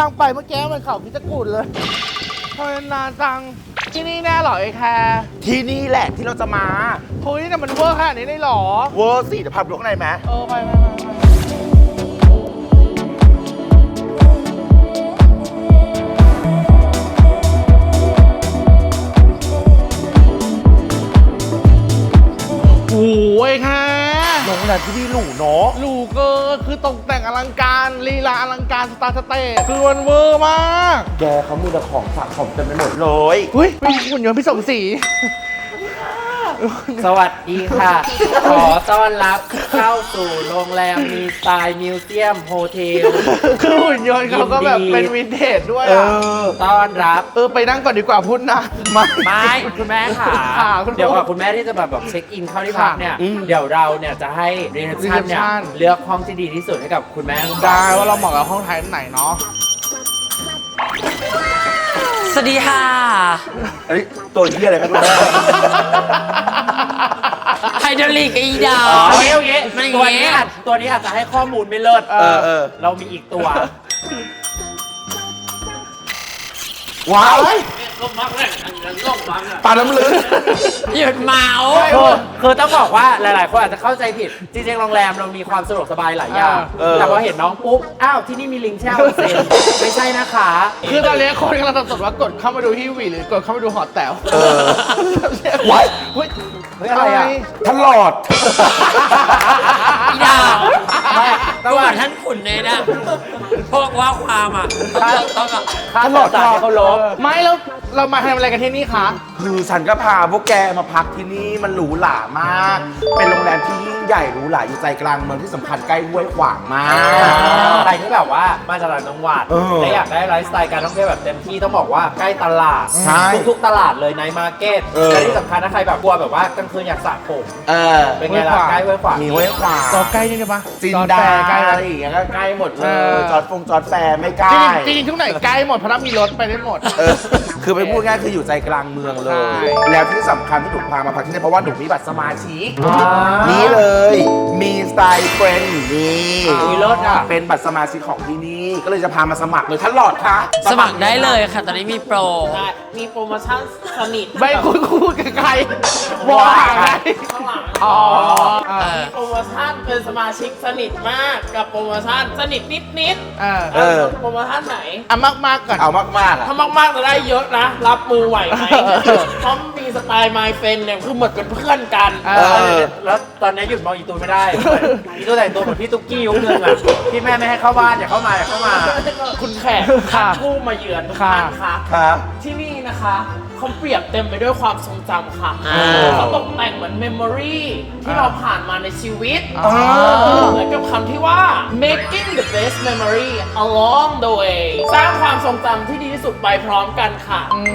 งไปเมื่อกี้มันเขาพิจกุฎเลยทำไมนานจังที่นี่แน่เหรอไอ้แคร์ที่นี่แหละที่เราจะมาเฮ้ยแต่มันเวอร์ขนาดนี้ได้เหรอเวอร์สิเดี๋ยวพาไปดูข้างในไหมไปโอ้ยค่ะโรงแรมที่นี่หรูเนาะหรูเกินคือตกแต่งอลังการลีลาอลังการสตาร์สเตทคือมันเวอร์มากแกเขามีแต่ของสะสมเต็มไปหมดเลยเฮ้ยมีหุ่นยนต์พี่สมศรีสวัสดีค่ะ ขอต้อนรับเข้าสู่โรงแรมมีสไตล์มิวเซียมโฮเทลคือหุ่นยนต์เขาก็แบบเป็นวินเทจด้วยอ่ะต้อนรับไปนั่งก่อนดีกว่าพูดนะมาไม่คุณแม่ค่ะค่ะคุณเดี๋ยวก่อนคุณแม่ที่จะแบบเช็คอินเข้าที่พักเนี่ยอืมเดี๋ยวเราเนี่ยจะให้รีเซพชันเนี่ย reception เลือกห้องที่ดีที่สุดให้กับคุณแม่ได้ว่าเราเหมาะกับห้องไทยไหนเนาะสวัสดีค่ะอันนี้ตัวเหี้ยอะไรกันนะไฮดรอลิกอีดาอ๋อโอเคโอเคมันอย่างตัวเงี้นี้ยตัวนี้อาจจะให้ข้อมูลไม่เลิศ เรามีอีกตัวว้าวปลาน้ำลึกหยุดเมาส์คือต้องบอกว่าหลาย ๆ คนอาจจะเข้าใจผิด จริง ๆ โรงแรมเรามีความสะดวกสบายหลายอย่าง แต่พอเห็นน้องปุ๊บ อ้าว ที่นี่มีลิงแช่ออนเซ็นไม่ใช่นะคะคือตอนนี้คนกำลังสับสนว่ากดเข้ามาดูที่วีหรือกดเข้ามาดูหอแต๋วว้ายเฮ้ยเฮ้ยอะไรอ่ะท่านหลอดอีดาวระหว่างท่านขุนเนี่ยนะพวกว่าความอ่ะต้องอ่ะค่าต่อสายให้เขาลบไม่แล้วเรามาทำอะไรกันที่นี่คะคือฉันก็พาพวกแกมาพักที่นี่มันหรูหรามาก เป็นโรงแรมที่ยิ่งใหญ่หรูหราอยู่ใจกลางเมืองที่สำคัญใกล้ห้วยขวางมากใครที่แบบว่ามาจากต่างจังหวัดเออและอยากได้ไลฟ์สไตล์การท่องเที่ยวแบบเต็มที่ต้องบอกว่าใกล้ตลาดใช่ทุกๆตลาดเลยในมาร์เก็ตเออและที่สำคัญถ้าใครแบบกลัวแบบว่ากลางคืนอยากสระผม เป็นไงล่ะใกล้ห้วยขวางมีห้วยขวางจอใกล้นี่ได้ปะจินจอดาแฟร์ใกล้อะเลไรยอย่างเงี้ยก็ใกล้หมดเลเอย อจอดแฟร์ไม่ใกล้จริงๆทุกไหนใกล้หมดเพราะถ้ามีรถไปได้หมดคือไปพูดง่ายคืออยู่ใจกลางเมืองเลใช่ย แล้วที่สำคัญที่หนูพามาพักที่นี่เพราะว่าหนูมีบัตรสมาชิกอ่านี่นี่เลย มีสไตล์เฟรนด์นี่มีรถอ่ะเป็นบัตรสมาชิกของที่นี่ ก็เลยจะพามาสมัครเลยท่านหลอดคะสมัครได้เลยค่ะ ตอนนี้มีโปรมีโปรโมชั่นสนิทไม่คุยกับใครมองหาใครข้างหลังอ๋อมีโปรโมชั่นเป็นสมาชิกสนิทมากกับโปรโมชั่นสนิทนิดเออโปรโมชั่นไหนอ่ะมากๆก่อนเอามากๆอ่ะถ้ามากๆจะได้เยอะนะ รับมือไหวไหมเพราะมีสไตล์ My Friend เนี่ยคือเหมือนเป็นเพื่อนกันเออแล้วตอนนี้หยุดมองอีตูนไม่ได้ อีตูนแต่งตัวเหมือนพี่ตุ๊กกี้ยุคนึงอ่ะพี่แม่ไม่ให้เข้าบ้านอย่าเข้ามาอย่าเข้ามาคุณแขกค่ะผู้มาเยือนทุกท่านค่ะครับที่นี่นะคะเขาเปรียบเต็มไปด้วยความทรงจำค่ะอ่าเขาตกแต่งเหมือนเมมโมรีที่เราผ่านมาในชีวิตอ่าเหมือนกับคำที่ว่า making the best memory along the way สร้างความทรงจำที่ดีที่สุดไปพร้อมกันค่ะ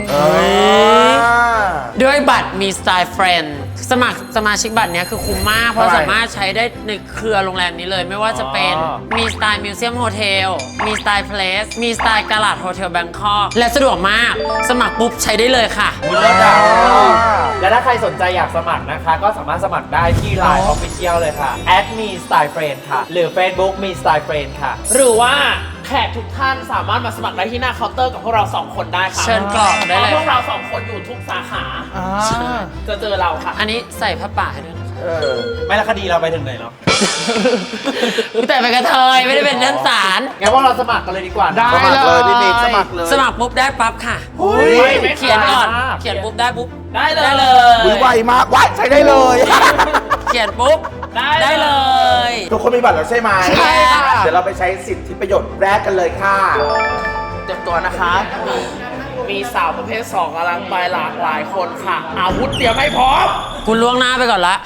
ด้วยบัตรมีสไตล์เฟรนด์สมัครสมาชิกบัตรเนี้ยคือคุ้มมาก เพราะทำไมสามารถใช้ได้ในเครือโรงแรมนี้เลย ไม่ว่าจะเป็นมีสไตล์มิวเซียมโฮเทลมีสไตล์เพลสมีสไตล์กาลาดโฮเทลแบงคอกและสะดวกมาก สมัครปุ๊บใช้ได้เลยค่ะมีรถอ่ะและถ้าใครสนใจอยากสมัครนะคะ ก็สามารถสมัครได้ที่ Line Official เลยค่ะ @me style friend ค่ะ หรือ Facebook me style friend ค่ะหรือว่าแขกทุกท่านสามารถมาสมัครได้ที่หน้าเคาน์เตอร์กับพวกเรา 2 คนได้ค่ะเชิญกรอกได้เลยพวกเรา 2 คนอยู่ทุกสาขาอ่าจะเจอเราค่ะอันนี้ใส่ผ้าป่าให้ด้วยนะคะไม่ละคดีเราไปถึงไหนแล้วแต่เป็นกระเทยไม่ได้เป็นท่านศาลงั้นพวกเราสมัครกันเลยดีกว่านะได้สมัครเลยพี่นิกสมัครเลยสมัครปุ๊บได้ปั๊บค่ะไม่เขียนก่อนมากเขียนปุ๊บได้ปุ๊บได้เลยได้เลยอุ๊ยไวมากว้ายใช้ได้เลยเขียนปุ๊บ ได้เลยทุกคนมีบัตรแล้วใช่ไหมใช่ค่ะเดี๋ยวเราไปใช้สิทธิประโยชน์แรกกันเลยค่ะเตรียมตัวนะคะ มีสาวประเภท 2กำลังไปหลากหลายคนค่ะ อาวุธเตรียมให้พร้อมคุณล่วงหน้าไปก่อนละ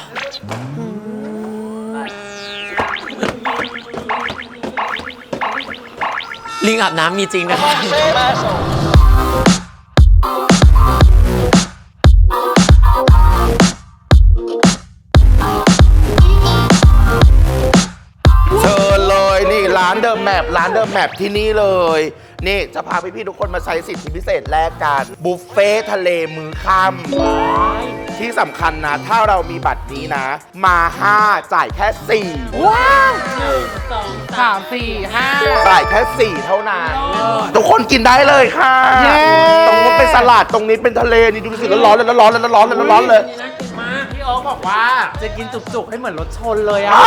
ลิงอาบน้ำมีจริงนะคะเชิญเลยนี่ร้านเดิมแมปร้านเดิมแมปที่นี่เลย นี่จะพาพี่ๆทุกคนมาใช้สิทธิพิเศษแลกกันบุฟเฟ่ทะเลมื้อค่ำที่สำคัญนะ ถ้าเรามีบัตรนี้นะ มา 5 จ่ายแค่ 4 ว้าว 1 2 3 4 5 จ่ายแค่ 4 เท่านั้น ทุกคนกินได้เลยค่ะเย้ตรงนู้นเป็นสลัดตรงนี้เป็นทะเลนี่ดูสิร้อนๆเลยร้อนๆเลยร้อนๆเลยร้อนๆเลยนี่น่ากินมากพี่โอ๊คบอกว่าจะกินจุกๆให้เหมือนรถชนเลยอะ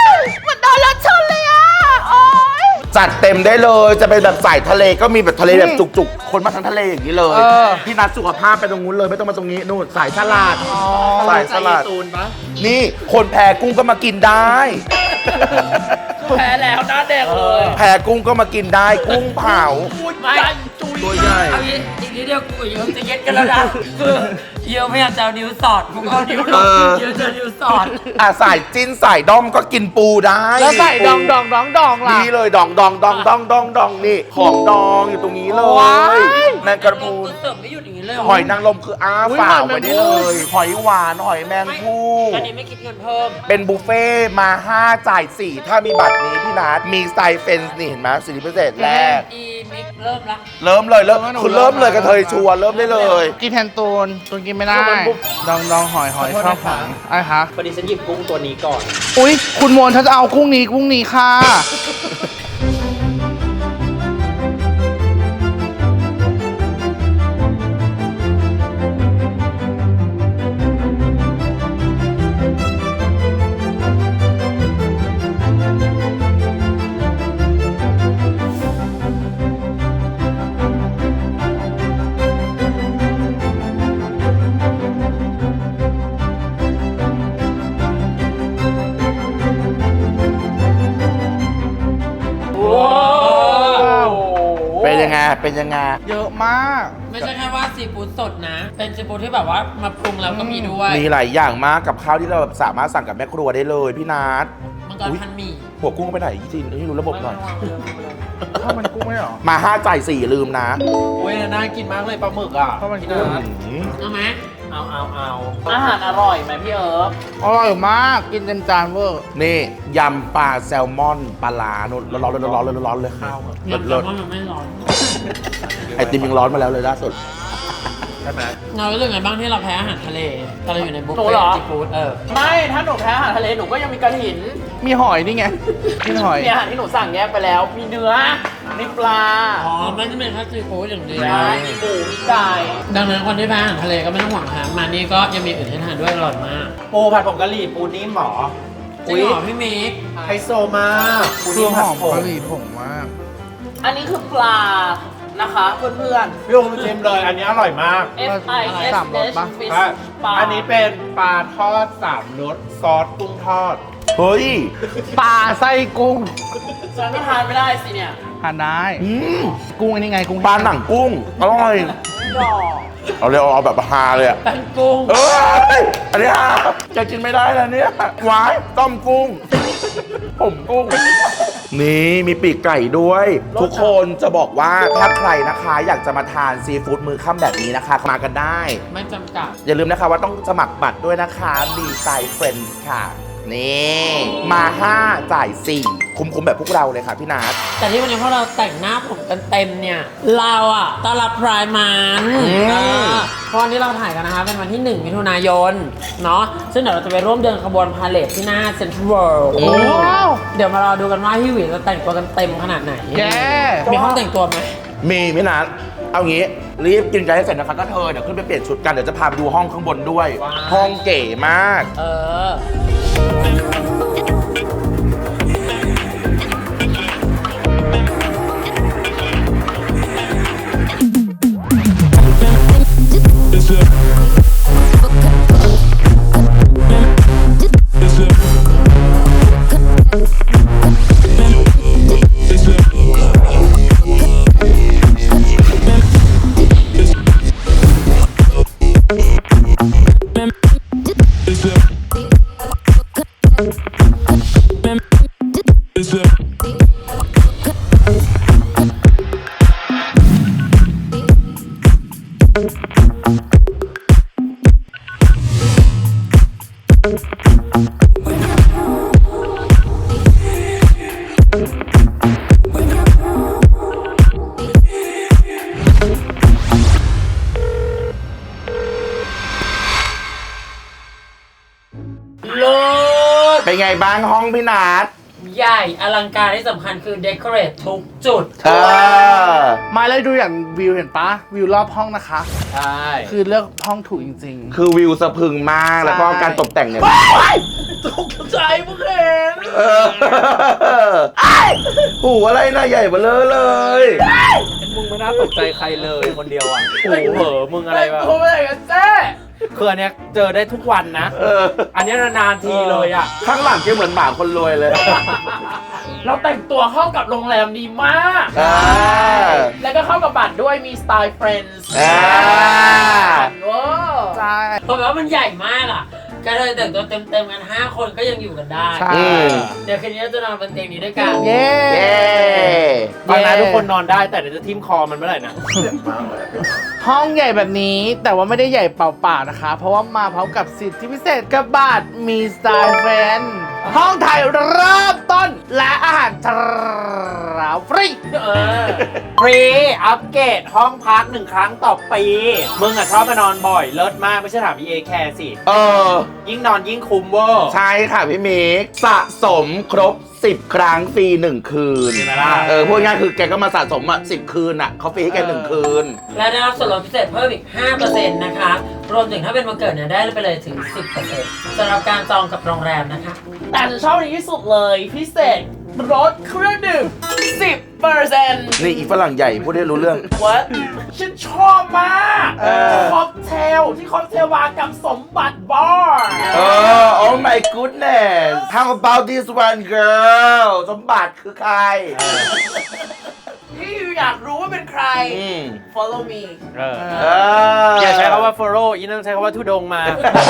จัดเต็มได้เลยจะเป็นแบบสายทะเลก็มีแบบทะเลแบบจุกๆ คนมาทั้งทะเลอย่างนี้เลย พี่นัดสุขภาพไปตรงนู้นเลยไม่ต้องมาตรงนี้นู่นสายสลัดสายสลัดตูนปะนี่คนแพ้กุ้งก็มากินได้แพ้แล้วหน้าแดงเลยแพ้กุ้งก็มากินได้กุ้งเผาไม่ตัวใหญ่เอาอีกนิดเดียวกูกับเยอะจะเย็ดกันแล้วนะคือเยอะพยายามจะเอานิ้วสอดกูก็เอานิ้วลงเยอะจะนิ้วสอดสายจิ้นสายด้อมก็กินปูได้แล้วใส่ดองล่ะนี่เลยดองนี่ของดองอยู่ตรงนี้เลว้าย ยแมงกระพรุนกูเสิร์ฟไม่หยุดอย่างนี้เลยหอยนางรมคืออ้าอุ๊ยฝ่าหอยแมงไว้ได้เลย หอยหวานหอยแมงภู่อันนี้ไม่คิดเงินเพิ่มเป็นบุฟเฟ่ต์มา 5 จ่าย 4 ถ้ามีบัตรนี้พี่นัทมีสไตล์เฟนส์นี่เห็นไหมสิทธิพิเศษแรกอีมิกเริ่มละเริ่มเลยคุณเริ่มเลยกระเทยชัวร์เริ่มได้เลยกินแทนตูนกินไม่ได้ ดองหอยชอบหอยอะไรคะพอดีฉันหยิบกุ้งตัวนี้ก่อนอุ๊ย คุณมนต์ถ้าจะเอากุ้งนี้ค่ะเป็นยังไง เป็นยังไงเยอะมากไม่ใช่แค่ว่าซีฟู้ดสดนะ เป็นซีฟู้ดที่แบบว่ามาปรุงแล้วก็มีด้วยมีหลายอย่างมากกับข้าวที่เราแบบสามารถสั่งกับแม่ครัวได้เลยพี่นัทมังกรพันหมี่หัวกุ้งไปไหนจริงให้รู้ระบบหน่อยข้าวมันกุ้งไม่หรอมา 5 จ่าย 4 ลืมนะโอ้ยน่ากินมากเลยปลาหมึกอ่ะข้าวมันพี่กุ้งนัทเอาไหมเอา อาหารอร่อยไหมพี่เอิร์ฟอร่อยมาก กินเต็มจานเวอร์นี่ยำปลาแซลมอนปลาลาโน่นร้อนๆเลยร้อนๆเลยร้อนๆเลยข้าวยำแซเลิลศมอนมันไม่ร้อนๆไอติมยังร้อนมาแล้วเลยล่าสุดใช่ไหมเรารู้สึกไงบ้างที่เราแพ้อาหารทะเลตอนเราอยู่ในบุฟหนูเฟ่เหรอซีฟู้ดไม่ ถ้าหนูแพ้อาหารทะเลหนูก็ยังมีกระถินมีหอยนี่ไงกินหอยมีอาหารที่หนูสั่งแยกไปแล้ว มีเนื้อ มีปลาอ๋อไม่ได้เป็นแค่ซีฟู้ดอย่างเดียวมีหมู มีไก่ดังนั้นคนที่แพ้อาหารทะเลก็ไม่ต้องหวังหามานี่ก็ยังมีอื่นให้ทานด้วยอร่อยมากปูผัดผงกะหรี่ปูนิ่มหมอจริงเหรอพี่มิกไฮโซมากปูเครื่นิ่อมงหผัดอมผงกะหรี่ผงมากอันนี้คือปลานะคะเพื่อนพี่โอ๊คชิมเลย อันนี้อร่อยมากๆ F I S สามรส H ปะ Fish ใช่ปลาอันนี้เป็นปลาทอด3รสซอสกุ้งทอดเฮ้ยปลาไส้กุ้งฉันก็ทานไม่ได้สิเนี่ยทานได้อืมกุ้งอันนี้ไงกุ้งปลาหนังกุ้งอร่อยดอกเอาเลยเอาแบบฮาเลยอะแป้งกุ้งเอ้ยอันนี้ฮาจะกินไม่ได้แล้วเนี่ยหวายต้มกุ้ง ผมกุ้ง นี่มีปีกไก่ด้วย ทุกคนจะบอกว่าถ้าใครนะคะ อยากจะมาทานซีฟู้ดมื้อค่ำแบบนี้นะคะ มากันได้ไม่จำกัดอย่าลืมนะคะว่าต้องสมัครบัตรด้วยนะคะดีไซน์เฟรนด์ค่ะ นี่มา 5 จ่าย 4 คุ้มๆแบบพวกเราเลยค่ะพี่นัทแต่ที่วันนี้พวกเราแต่งหน้าผมกันเต็มเนี่ย เราอ่ะต้อนรับพรายมัน เพราะวันนี้เราถ่ายกันนะคะเป็นวันที่ 1 มิถุนายน เนาะซึ่งเดี๋ยวเราจะไปร่วมเดินขบวนพาเลทที่หน้าเซ็นทรัลเวิลด์ว้าวเดี๋ยวมารอดูกันว่าพี่หวีจะแต่งตัวกันเต็มขนาดไหนแย่มีห้องแต่งตัวไหมมีพี่นัทเอางี้รีบกินใจให้เสร็จนะคะก็เธอเดี๋ยวขึ้นไปเปลี่ยนชุดกันเดี๋ยวจะพาไปดูห้องข้างบนด้วย ห้องเก๋มากเออ We're เป็นไงบ้างห้องพี่นัทใหญ่อลังการที่สำคัญคือเดคอเรททุกจุดมาเลยดูอย่างวิวเห็นปะวิวรอบห้องนะคะใช่คือเลือกห้องถูกจริงคือวิวสะพรึงมากแล้วก็การตกแต่งเนี่ยๆตกใจเพิ่งเห็นเออไอ้หูอะไรนะใหญ่เบ้อเลยมึงไม่น่าตกใจใครเลยคนเดียวอ่ะโอ้โหมึงอะไรวะโทรไปไหนกันเจ๊คืออันเนี้ยเจอได้ทุกวันนะเอออันเนี้ยนานๆทีเลยอ่ะข้างหลังแกเหมือนหมาคนรวยเลยเราแต่งตัวเข้ากับโรงแรมดีมากอ่าแล้วก็เข้ากับบัตรด้วยมีสไตล์ Friends อ่าว้าวใช่เพราะว่ามันใหญ่มากอ่ะก็เลยแต่งตัวเต็มๆกัน 5 คนก็ยังอยู่กันได้ใช่เดี๋ยวคืนนี้เราจะนอนบนเตียงนี้ด้วยกันเย้เย้ฟังนะทุกคนนอนได้แต่เดี๋ยวจะทิ่มคอมันเมื่อไหร่นะห้องใหญ่แบบนี้แต่ว่าไม่ได้ใหญ่เปล่าๆนะคะ เพราะว่ามาพร้อมกับสิทธิพิเศษกับบัตรมีสไตล์แฟนห้องถ่ายเริ่มต้นและอาหารเช้าฟรีฟรีอัปเกรดห้องพัก1 ครั้งต่อปี มึงอ่ะชอบมานอนบ่อยเลิศมากไม่ใช่ถาม EA Care สิเออยิ่งนอนยิ่งคุ้มเวอร์ใช่ค่ะพี่มิกสะสมครบ 10 ครั้งฟรี 1 คืนเห็นไหมล่ะพูดง่ายคือแกก็มาสะสมอ่ะ10 คืนอ่ะเขาฟรีให้แก1 คืนและได้รับส่วนลดพิเศษเพิ่มอีก 5% นะคะ รวมถึงถ้าเป็นวันเกิดเนี่ยได้ไปเลยถึง 10%สำหรับการจองกับโรงแรมนะคะแต่ฉันชอบอันนี้ที่สุดเลยพิเศษรสเครื่องดื่ม 10% นี่อีฝรั่งใหญ่พูดได้รู้เรื่อง What ฉันชอบมากค็อกเทลที่ค็อกเทลมากับสมบัติบาร์ Oh my goodness How about this one girl สมบัติคือใครที่อยากรู้ว่าเป็นใคร Follow me อย่าใช้คำว่า follow อีนั่นใช้คำว่าทุดงมา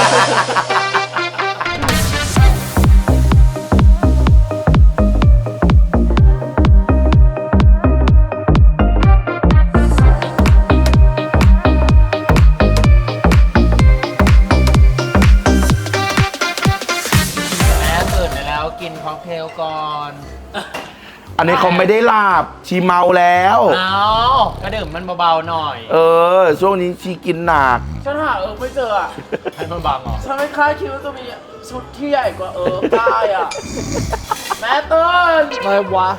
แม่ตื่นไปแล้วกินค็อกเทลก่อนอันนี้เขาไม่ได้หลับชีเมาแล้วเอาก็ดื่มมันเบาๆหน่อยช่วงนี้ชีกินหนักฉันหาไม่เจออ่ะให้มันบังเหรอฉันไม่คาดคิดว่าจะมีชุดที่ใหญ่กว่าได้อ่ะ แม่เติ้ลเลยวะ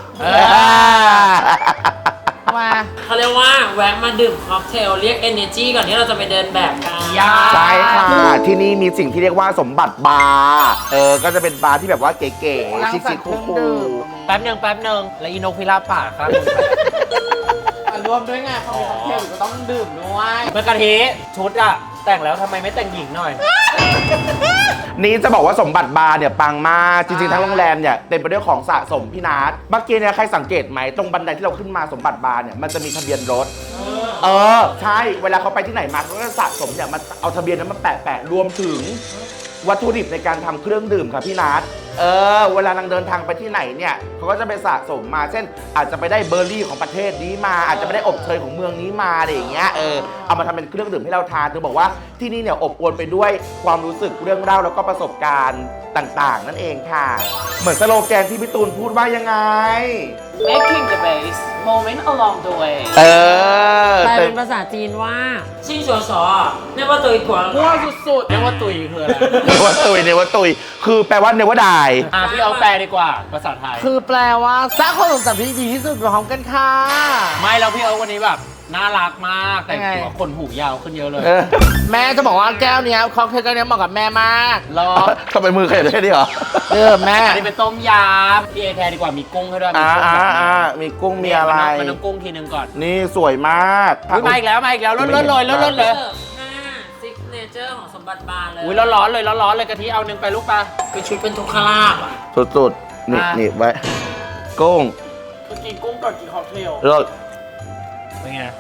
มาเขาเรียกว่าแวะมาดื่มค็อกเทลเรียก energy ก่อนที่เราจะไปเดินแบบกันใช่ค่ะ ที่นี่มีสิ่งที่เรียกว่าสมบัติบาร์ก็จะเป็นบาร์ที่แบบว่าเก๋ๆชิคๆคูลแป๊บหนึ่งแล้วอีนกพิราบป่าครับรวมด้วยไงเขามีค็อกเทลอยู่ก็ต้องดื่มด้วยเมื่อกะทิชุดอะแต่งแล้วทำไมไม่แต่งหญิงหน่อยๆนี่จะบอกว่าสมบัติบาร์เนี่ยปังมากจริงๆทั้งโรงแรมเนี่ยเต็มไปด้วยของสะสมพี่นัทเมื่อกี้เนี่ยใครสังเกตไหมตรงบันไดที่เราขึ้นมาสมบัติบาร์เนี่ยมันจะมีทะเบียนรถใช่เวลาเขาไปที่ไหนมาเขาก็สะสมเนี่ยมันเอาทะเบียนนั้นมาแปะรวมถึงวัตถุดิบในการทำเครื่องดื่มค่ะพี่นัทเวลานางเดินทางไปที่ไหนเนี่ยเขาก็จะไปสะสมมาเช่น อาจจะไปได้เบอร์รี่ของประเทศนี้มาอาจจะไปได้อบเชยของเมืองนี้มาอะไรอย่างเงี้ยเอามาทำเป็นเครื่องดื่มให้เราทานเธอบอกว่าที่นี่เนี่ยอบอวลไปด้วยความรู้สึกเรื่องเล่าแล้วก็ประสบการณ์ต่างๆ นั่นเองค่ะ เหมือนสโลแกนที่พี่ตูนพูดว่ายังไง making the base moment along the way แปลเป็นภาษาจีนว่าชิงชัวชอเนี่ยว่าตัวอีกกว่ามั่วสุดเรียกว่าตุยคืออะไรเนวว่าตุยคือแปลว่าเนวดายพี่เอาแปลดีกว่าภาษาไทยคือแปลว่าสร้างความทรงจำที่ดีที่สุดพร้อมกันค่ะไม่แล้วพี่เอาวันนี้แบบน่ารักมากแต่งยังไงตัวขนหูยาวขึ้นเยอะเลยแม่จะบอกว่าแก้วเนี้ยค็อกเทลแก้วเนี้ยเหมาะกับแม่มากรอทำไมมือขยับได้แค่นี้เหรอแม่อันนี้เป็นต้มยำพี่เอแคร์ดีกว่ามีกุ้งให้ด้วยมีกุ้งมีอะไรมันต้องกุ้งทีนึงก่อนนี่สวยมากอุ๊ยมาอีกแล้วเลิศเลยเสิร์ฟซิกเนเจอร์ของสมบัติบาร์เลยอุ้ยร้อนเลยกะทิเอาหนึ่งไปลูกปลาคือชุดเป็นทุกขลาบอ่ะสุดๆนี่อ่ะนี่ไว้กุ้งๆคือกินกุ้งก่อนกินค็อกเทลเลิศเป็นไง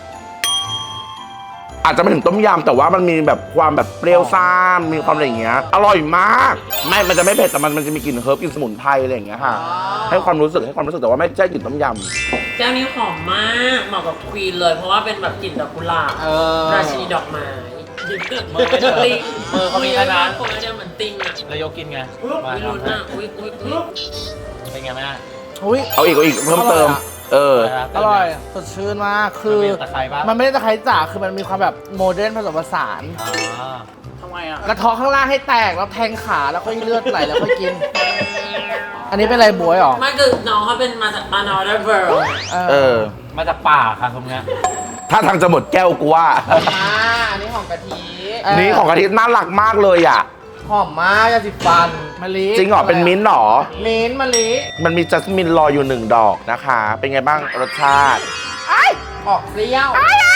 อาจจะไม่ถึงต้มยำแต่ว่ามันมีแบบความแบบเปรี้ยวซ่ามมีความอะไรอย่างเงี้ยอร่อยมากมันจะไม่เผ็ดแต่มันจะมีกลิ่นเฮิร์บกลิ่นสมุนไพรอะไรอย่างเงี้ยค่ะให้ความรู้สึกแต่ว่าไม่ใช่กลิ่นต้มยแก้วนี้หอมมากเหมาะกับควีนเลยเพราะว่าเป็นแบบกลิ่นดอกกุหลาบราชินีดอกไม้ติงมือเขามีขนาดคนละเนี่ยเหมือนติงอ่ะแล้วยกกินไงไม่รู้นะอุ้ยเป็นไงแม่อุ้ยำเอาอีกเพิ่มเติมอร่อยสดชื่นมากคือมันมีตะไคร้ปะมันไม่ได้ตะไคร้จ๋าคือมันมีความแบบโมเดิร์นผสมผสานทำไมอ่ะกระเทาะข้างล่างให้แตกแล้วแทงขาแล้วค่อยเลือดไหลแล้วค่อยกิน อันนี้เป็นอะไรบวยหรอไม่คือน้องเขาเป็นมาจากบานอร์เดอร์เวิร์เออมาจากป่าค่ะตรงเนี้ยถ้าทางจะหมดแก้วกูว่าอันนี้ของกะทินี่ของกะทิน่ารักมากเลยอ่ะหอมมากยาสีฟันมะลิจริงเหรอ เป็นมิ้นท์เหรอมิ้นท์มะลิมันมีจัสมินรออยู่1 ดอกนะคะ เป็นไงบ้างรสชาติออกเปรี้ยว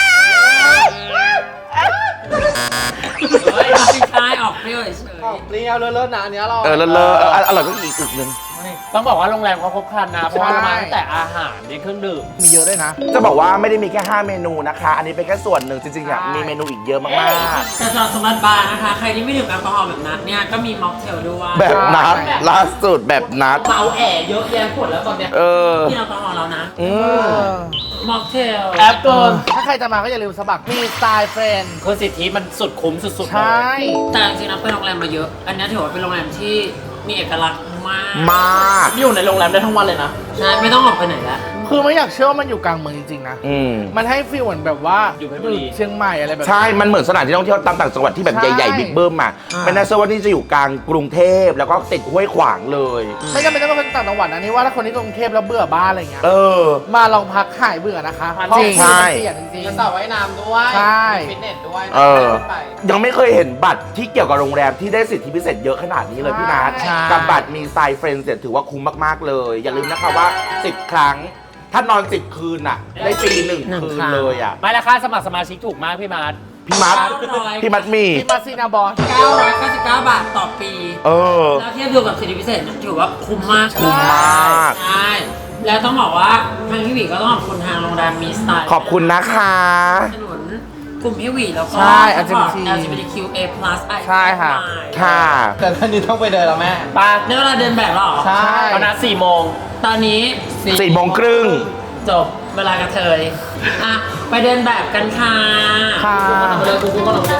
เฮ้ยไม่ใช่ออกเปรี้ยวเฉยออกเปรี้ยวเลิศๆนะอันนี้อร่อยเลอะอร่อยก็อีกอึกนึงต้องบอกว่าโรงแรมเขาครบครันนะ เพราะว่าเรามาตั้งแต่อาหารในเครื่องดื่มมีเยอะด้วยนะจะบอกว่าไม่ได้มีแค่ 5 เมนูนะคะ อันนี้เป็นแค่ส่วนหนึ่งจริงๆอ่ะมีเมนูอีกเยอะมากๆแต่สำหรับสมัติบาร์นะคะ ใครที่ไม่ดื่มแอลกอฮอล์แบบนัดเนี่ยก็มีม็อกเทลด้วยๆ แบบนัดล่าสุดแบบนัดเมาแอเยอะแยะหมดแล้วตอนเนี้ยเออที่แอลกอฮอล์แล้วนะอืมม็อกเทลแอปเกินถ้าใครจะมาก็อย่าลืมสมัครมีสไตล์เฟรนด์คือสิทธิมันสุดคุ้มสุดๆเลใช่ยแต่จริงๆนะไปโรงแรมมาเยอะ อันนี้ถือว่าเป็นโรงแรมที่มีเอกลักษณ์มากมากอยู่ในโรงแรมได้ทั้งวันเลยนะใช่ไม่ต้องออกไปไหนแล้วคือไม่อยากเชื่อว่ามันอยู่กลางเมืองจริงๆนะอืมมันให้ฟีลเหมือนแบบว่าอยู่เพชรบุรีเชียงใหม่อะไรแบบใช่ มันเหมือนสถานที่ท่องเที่ยวตามต่างจังหวัดที่แบบใช่ใหญ่ๆบิ๊กเบิ้มอ่ะไม่น่าเชื่อว่านี่จะอยู่กลางกรุงเทพแล้วก็ติดห้วยขวางเลยไม่จำเป็นต้องเป็นต่างจังหวัดนะนี่ว่าถ้าคนที่กรุงเทพแล้วเบื่อบ้านอะไรเงี้ยเออมาลองพักหายเบื่อนะคะจริงเพาะมันเปลี่ยนจริงมีสระว่ายน้ำด้วยใช่มีฟิตเนสด้วยเออไปยังไม่เคยเห็นบัตรที่เกี่ยวกับโรงแรมที่ได้สิทธิพิเศษเยอะขนาดนี้เลยพี่นัทใช่กับบัตรมีสไตล์เฟรนด์ถือว่าคุ้มมากๆเลย อย่าลืมนะคะว่า 10 ครั้ง ถ้านอน 10 คืนอ่ะ ได้ฟรี1 คืนเลยอ่ะไม่ราคาสมัครสมาชิกถูกมากพี่มาร์ทพี่มัด 900 พี่มัดมีที่มาซีนาบอล 999 บาทต่อปีเออแล้วเทียบดูกับสิทธิพิเศษเนี่ยถือว่าคุ้มมากคุ้มมากใช่ แล้วต้องบอกว่าทางพี่หวีก็ต้องขอบคุณทางโรงแรมมีสไตล์ขอบคุณนะคะสนับสนุนกลุ่มพี่หวีแล้วก็ใช่ support LGBTQ LGBTQA+ ใช่ค่ะค่ะแต่ท่านนี้ต้องไปเดินแล้วแม่ไปในเวลาเดินแบบเหรอใช่เอานัด4 โมงตอนนี้ 4 โมงครึ่งจบเวลากระเทย อ่ะ ไปเดินแบบกันค่ะค่ะเลยกูก็ลงเลย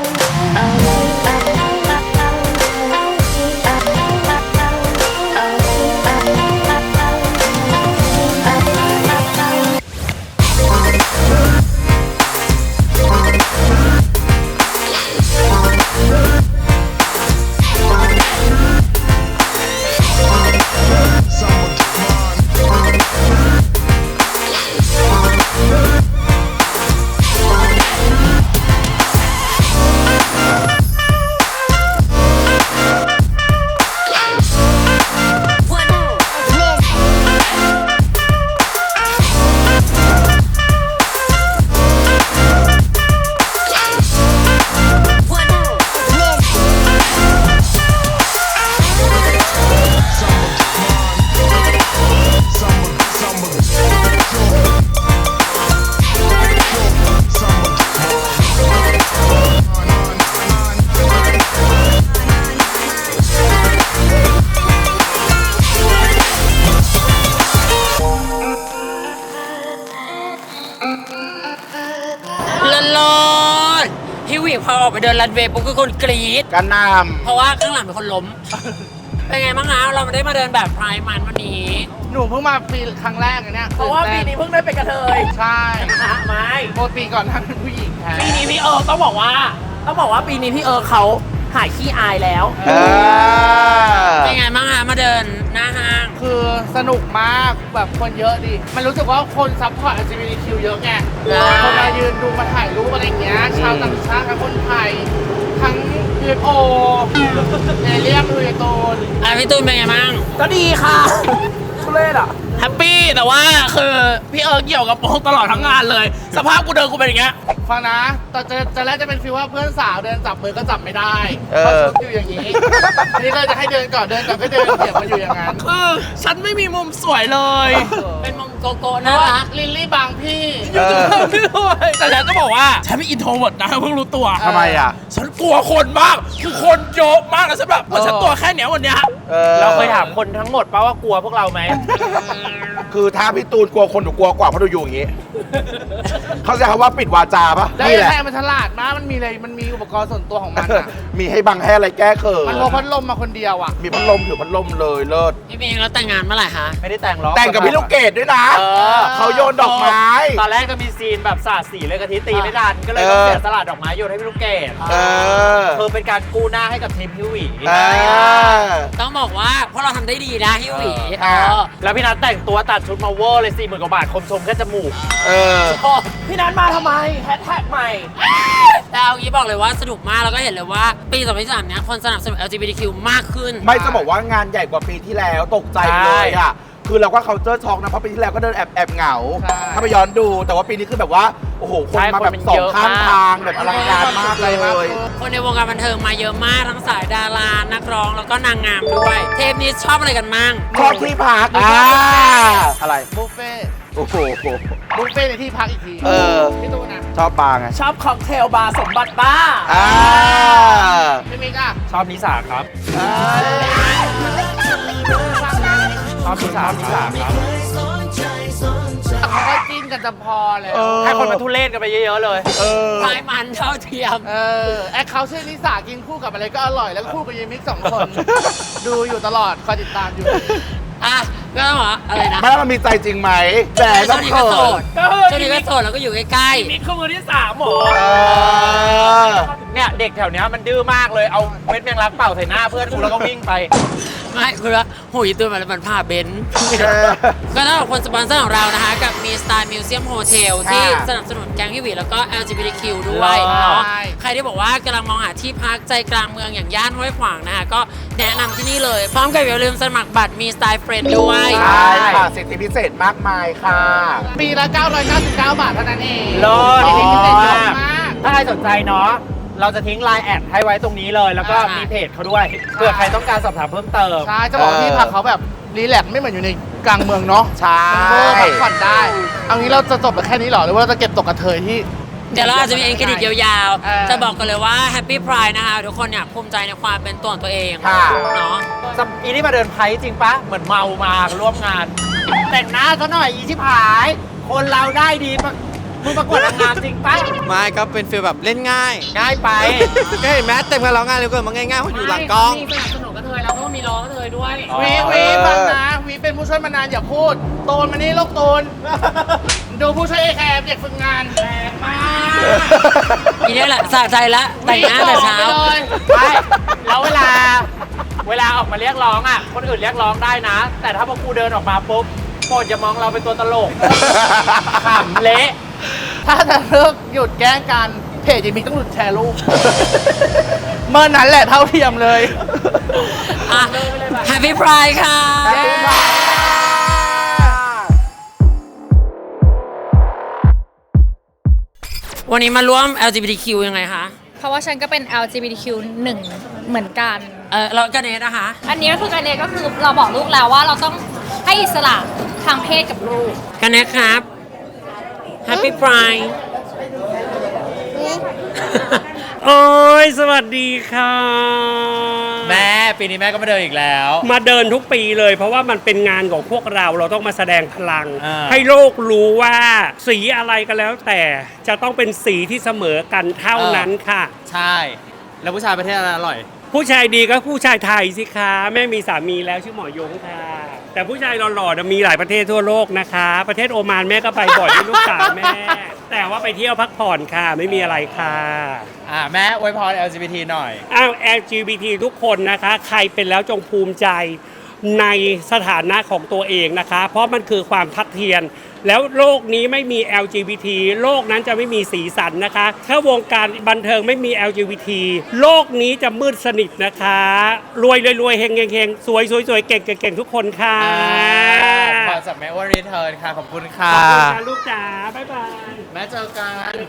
เลิศพี่หวีพอออกไปเดินรันเวย์ปุ๊บก็คนกรี๊ดกันนเพราะว่าข้างหลังเป็นคนล้ม เป็นไงบ้างคะเราไม่ได้มาเดินแบบพรายมันวันนี้หนูเพิ่งมาปีครั้งแรกอันเนี้ยเพราะว่าปีนี้เพิ่งได้เป็นกระเทยใช่ไม่ปกติก่อนท่านเป็นผู้หญิงแท้ปีนี้พี่ต้องบอกว่าปีนี้พี่เขาหายขี้อายแล้วเออเป็นไงบ้างคะมาเดินหน้าห้างคือสนุกมากแบบคนเยอะดิ มันรู้สึกว่าคนซัพพอร์ต LGBTQ เยอะไง คนมายืนดูมาถ่ายรูปอะไรอย่างเงี้ย ชาวต่างชาติทั้งคนไทย ทั้ง UFO เอเลียมดูยโตนอ่ะพี่ตูนเป็นไงบ้างก็ดีค่ะทุเรศอ่ะแฮปปี้แต่ว่าคือพี่เกี่ยวกับโป๊กตลอดทั้งงานเลย สภาพกูเดินกูเป็นอย่างเงี้ยฟังนะตอนจะแรกจะเป็นฟีลว่าเพื่อนสาวเดินจับมือก็จับไม่ได้เออเพราะชุดอยู่อย่างนี้อันนี้ก็จะให้เดินก่อนก็เดินเถียงมาอยู่อย่างนั้นคือฉันไม่มีมุมสวยเลยเป็นมงโกโก้เพน่าราะว่ารักลิลลี่บางพี่เออแต่ฉันก็บอกว่าฉันเป็นอินโทรเวิร์ดนะเพิ่งรู้ตัวทำไมอ่ะฉันกลัวคนมากคือคนเยอะมากนะฉันแบบฉันตัวแค่เนี้ยวันเนี้ยเราเคยถามคนทั้งหมดป่าว่ากลัวพวกเราไหมคือถ้าพี่ตูนกลัวคนหนูกลัวกว่าเพราะหนูอยู่อย่างงี้เขาจะคำว่าปิดวาจาปะแล้วนี่ไอ้แหละแทนมันฉลาดมากมันมีอะไรมันมีอุปกรณ์ส่วนตัวของมันอะมีให้บังให้อะไรแก้เขินมันพกพัดลมมาคนเดียวอะมีพัดลมถือพัดลมเลยเลิศพี่เมย์แล้วแต่งงานเมื่อไหร่คะไม่ได้แต่งหรอกแต่งกับพี่ลูกเกดด้วยนะเออเขาโยนดอกไม้ตอนแรกจะมีซีนแบบสาดสีเลยกะทิตีไม่ทันก็เลยต้องเสียสละดอกไม้โยนให้พี่ลูกเกดเออคือเป็นการกู้หน้าให้กับทีมพี่หวีเออต้องบอกว่าพวกเราทำได้ดีนะฮิวหวีเออแล้วพี่นัทแต่งตัวตัดชุดมาเวอร์เลย40,000 กว่าบาทคมชมแค่จมูกเออพี่นัทมาทำไมแฮชแท็กใหม่แต่เอางี้บอกเลยว่าสนุกมากแล้วก็เห็นเลยว่าปี2023เนี้ยคนสนับสนุน LGBTQ มากขึ้นไม่จะบอกว่างานใหญ่กว่าปีที่แล้วตกใจเลยอ่ะ คือเราก็เคาน์เตอร์ช็อกนะเพราะปีที่แล้วก็เดินแอบเหงา ถ้าไปย้อนดูแต่ว่าปีนี้คือแบบว่า โอ้โห คนมาแบบสองข้างทางแบบอลังการมากเลยคนในวงการบันเทิงมาเยอะมากทั้งสายดารานักร้องแล้วก็นางงามด้วย เทปนี้ชอบอะไรกันมั่งชอบที่พักอะไรบุฟเฟ่ต์โอ้โหบุฟเฟ่ต์ในที่พักอีกทีเออพี่ตูนนะชอบปลาไงชอบค็อกเทลบาร์สมบัติบ้าร์อ่าพี่มิกอะชอบนิสาครับ ชอบนิสาครับเขาก็จิ้นกันจะพอเลยเออให้คนมาทุเรศกันไปเยอะๆเลยเออพายมันเท่าเทียมแอคเขาชื่อนิสากินคู่กับอะไรก็อร่อย แล้วก็คู่กับเยมิกสองคน ดูอยู่ตลอดคอยติดตามอยู่อ่ะก็ต้องบอกว่าอะไรนะไม่ว่ามันมีใจจริงไหมแต่ช่ต้วอง งนี้เขิก็โสนดช่วงนี้ก็โสดแล้วก็อยู่ใกล้มิกคือมือที่3หมอเออเนี่ยเด็กแถวเนี้ยมันดื้อมากเลย เอาเม็ดแมงลักเป่าใส่หน้าเพื่อนกูแล้วก็วิ่งไปๆไม่คือว่าหูยตัวมันผ่าเบนซ์ก็ต้องขอบคุณสปอนเซอร์ของเรานะคะ กับมี Style Museum Hotel ที่ค่ะสนับสนุนแก๊งฮิวิแล้วก็ LGBTQ ด้วยว้าวเนาะใครที่บอกว่ากำลังมองหาที่พักใจกลางเมืองอย่างย่านห้วยขวางนะคะก็แนะนำที่นี่เลย พร้อมกับอย่าลืมสมัครบัตรมี Style Friend ด้วยใช่ค่ะสิทธิพิเศษมากมายค่ะปีละ 999 บาทเท่านั้นเองเลิศสิทธิพิเศษเยอะมากถ้าใครสนใจเนาะ เราจะทิ้งไลน์แอดให้ไว้ตรงนี้เลย แล้วก็มีเพจเขาด้วย เผื่อใครต้องการสอบถามเพิ่มเติมใช่ จะบอกว่าที่พักเขาแบบรีแลกซ์ไม่เหมือนอยู่ในกลางเมืองเนาะใช่เออพักผ่อนได้ เอางี้เราจะจบแบบแค่นี้เหรอ หรือว่าเราจะเก็บตกกระเทยที่เดี๋ยวเราอาจจะมีเอ็นเครดิตยาวเออๆ จะบอกกันเลยว่า Happy Pride นะคะ ทุกคนเนี่ยภูมิใจในความเป็นตัวของตัวเองค่ะเนาะอีนี่มาเดินไพ่จริงปะ เหมือนเมามาร่วมงาน แต่งหน้าซะหน่อยอีชิบหาย คนเราได้ดีปะมึงประกวดนางงามจริงปะไม่ก็เป็นฟีลแบบเล่นง่ายง่ายไปก็เห็นไหมเต็มกันแล้วง่ายเลยก็มันง่ายๆเพราะอยู่หลังกล้องมีสนับสนุนกระเทยแล้วก็มีร้องกระเทยด้วยอ๋อวีฟังนะวีเป็นผู้ช่วยมานานอย่าพูดโตนมานี่ลูกโตน ดูผู้ช่วยเอแคร์เด็กฝึกงานแรงมากอีนี่แหละสะใจละแต่งหน้าแต่เช้าวีบอกไปเลยใช่แล้วเวลาออกมาเรียกร้องอ่ะ คนอื่นเรียกร้องได้นะ แต่ถ้าพวกกูเดินออกมาปุ๊บโปรดอย่ามองเราเป็นตัวตลก ขำเละถ้าจะเลิกหยุดแกล้งกันเพจยังมีต้องหยุดแชร์รูป เมื่อนั้นแหละเท่าเทียมเลยอ่ะ Happy Pride ค่ะ วันนี้มาร่วม LGBTQ ยังไงคะเพราะว่าฉันก็เป็น LGBTQ 1 เหมือนกันแล้วกันเนสนะคะอันนี้ก็คือการเรียนก็คือเราบอกลูกแล้วว่าเราต้องให้อิสระทางเพศกับลูกกันเนสครับ Happy Pride โอ้ยสวัสดีค่ะแม่ปีนี้แม่ก็มาเดินอีกแล้วมาเดินทุกปีเลย เพราะว่ามันเป็นงานของพวกเราต้องมาแสดงพลังอ่าให้โลกรู้ว่าสีอะไรก็แล้วแต่จะต้องเป็นสีที่เสมอกันเท่านั้นค่ะใช่ แล้วผู้ชายประเทศอะไรอร่อยผู้ชายดีก็ผู้ชายไทยสิคะแม่มีสามีแล้วชื่อหมอยงค่ะ แต่ผู้ชายหล่อๆน่ะมีหลายประเทศทั่วโลกนะคะ ประเทศโอมานแม่ก็ไปบ่อยด้วยลูกสาวแม่ แต่ว่าไปเที่ยวพักผ่อนค่ะไม่มีอะไรค่ะแม่อวยพร LGBT หน่อยอ้าว LGBT ทุกคนนะคะ ใครเป็นแล้วจงภูมิใจในสถานะของตัวเองนะคะ เพราะมันคือความทัดเทียมแล้วโลกนี้ไม่มี LGBT โลกนั้นจะไม่มีสีสันนะคะ ถ้าวงการบันเทิงไม่มี LGBT โลกนี้จะมืดสนิทนะคะ รวยรวยเฮงเฮงเฮงสวยสวยสวยเก่งเก่งเก่งทุกคนค่ะขอจากแม่ว่ารีเทิร์นค่ะ ขอบคุณค่ะขอบคุณค่ะลูกจ๋าบ๊ายบายแม่เจอกัน